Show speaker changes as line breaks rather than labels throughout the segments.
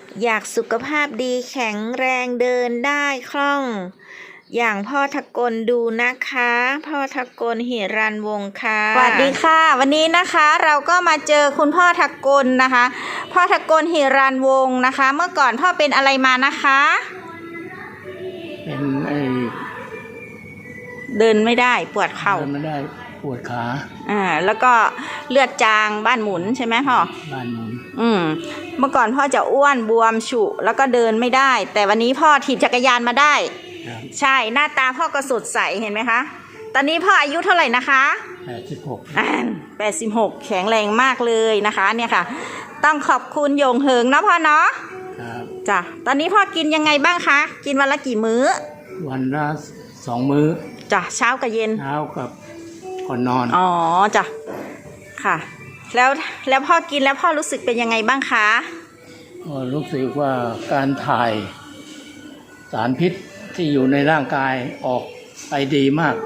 อยากสุขภาพดีแข็งแรงเดินได้คล่อง อย่างพ่อทกลดูนะคะ พ่อทกลหิรัญวงศ์ค่ะสวัสดีค่ะ วันนี้นะคะเราก็มาเจอคุณพ่อทกลนะคะ พ่อทกลหิรัญวงศ์นะคะ เมื่อก่อนพ่อเป็นอะไรมานะคะ
เป็น
เดินไม่ได้ปวดเข่า
เดินไม่ได้ปวดขา
แล้วก็เลือดจางบ้านหมุนใช่ไหมพ่อ
บ้านหมุน
เมื่อก่อนพ่อจะอ้วนบวมฉุแล้วก็เดินไม่ได้ แต่วันนี้พ่อถีบจักรยานมาได้ใช่หน้าตาพ่อก็สดใสเห็นไหมคะตอนนี้พ่ออายุเท่าไหร่นะคะ86แข็งแรงมากเลยนะคะเนี่ยค่ะต้องขอบคุณโยงเหิงนะพ่อเนาะจ้ะตอนนี้พ่อกินยังไงบ้างคะกินวันละกี่มื้อ
วันละ2 มื้อ
จ้ะเช้ากับเย็น
เช้ากับก่อนนอน
อ๋อจ้ะค่ะแล้วพ่อกินแล้วพ่อรู้สึกเป็นยังไงบ้างคะ
รู้สึกว่าการถ่ายสารพิษที่อยู่ในร่างกายออกไปดีมาก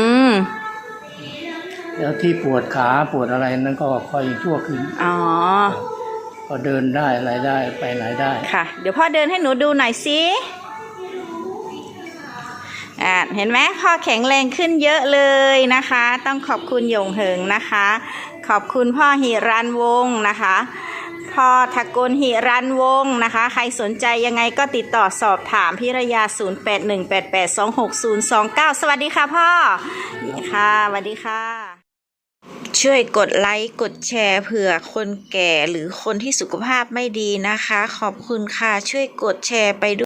แล้วที่ปวดขาปวดอะไรนั้นก็ค่อยชั่วขึ้นก็เดินได้อะไรได้ไปไหนได้
ค่ะเดี๋ยวพ่อเดินให้หนูดูหน่อยสิเห็นไหมพ่อแข็งแรงขึ้นเยอะเลยนะคะต้องขอบคุณโยงเหิงนะคะขอบคุณพ่อหิรัญวงศ์นะคะพ่อทกลหิรัญวงศ์นะคะใครสนใจยังไงก็ติดต่อสอบถามพิรยา0818826029สวัสดีค่ะพ่อค่ะสวัสดีค่ะช่วยกดไลค์กดแชร์เผื่อคนแก่หรือคนที่สุขภาพไม่ดีนะคะขอบคุณค่ะช่วยกดแชร์ไปด้วย